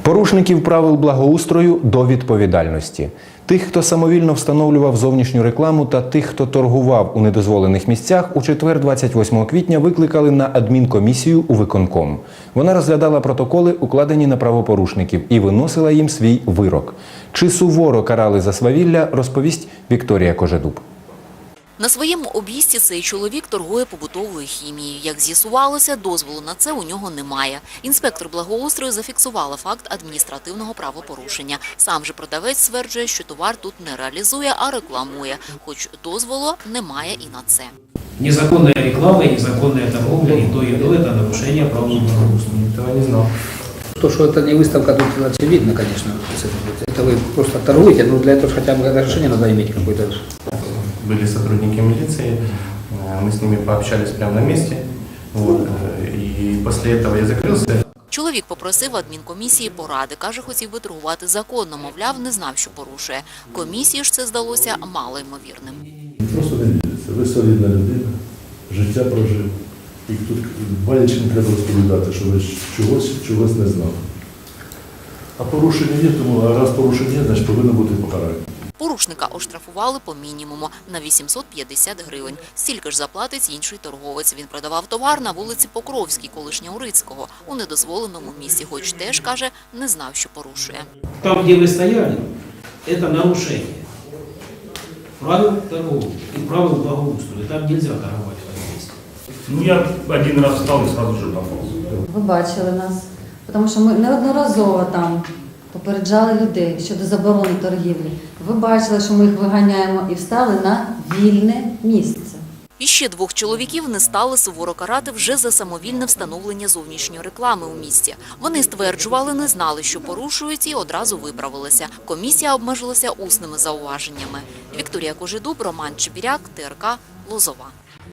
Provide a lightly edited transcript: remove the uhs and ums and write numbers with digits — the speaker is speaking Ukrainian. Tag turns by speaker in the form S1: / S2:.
S1: Порушників правил благоустрою до відповідальності. Тих, хто самовільно встановлював зовнішню рекламу та тих, хто торгував у недозволених місцях, у четвер 28 квітня викликали на адмінкомісію у виконком. Вона розглядала протоколи, укладені на правопорушників, і виносила їм свій вирок. Чи суворо карали за свавілля, розповість Вікторія Кожедуб.
S2: На своєму об'їзді цей чоловік торгує побутовою хімією. Як з'ясувалося, дозволу на це у нього немає. Інспектор благоустрою зафіксувала факт адміністративного правопорушення. Сам же продавець стверджує, що товар тут не реалізує, а рекламує, хоч дозволу немає і на це.
S3: Незаконная реклама и незаконная торговля, и то, это нарушение правил благоустройства.
S4: Этого не знал.
S5: То, что это не выставка, тут очевидно, конечно. Это вы просто торгуете, но для этого хотя бы разрешение надо иметь какое-то.
S4: Были сотрудники милиции, мы с ними пообщались прямо на месте, и после этого я закрылся.
S2: Чоловік попросив адмінкомісії поради. Каже, хотів би торгувати законно, мовляв, не знав, що порушує. Комісії ж це здалося малоймовірним.
S6: Просто не віриться. Ви солідна людина, життя прожив. І тут боляче не треба розповідати, що ви чогось не знали. А порушення є, тому раз порушення є, значить повинно бути покарання.
S2: Порушника оштрафували по мінімуму на 850 гривень. Стільки ж заплатить інший торговець. Він продавав товар на вулиці Покровській, колишнього Рицького, у недозволеному місці, хоч теж, каже, не знав, що порушує.
S3: Там, где вы стояли, это нарушение правил торговли и правил благоустройства. Там нельзя торговать в этом месте.
S7: Ну, я один раз встал и сразу же пополз.
S8: Ви бачили нас, тому що ми неодноразово там попереджали людей щодо заборони торгівлі. Ви бачили, що ми їх виганяємо і встали на вільне місце.
S2: І ще двох чоловіків не стали суворо карати вже за самовільне встановлення зовнішньої реклами у місті. Вони стверджували, не знали, що порушують, і одразу виправилися. Комісія обмежилася усними зауваженнями. Вікторія Кожедуб, Роман Чебіряк, ТРК, Лозова.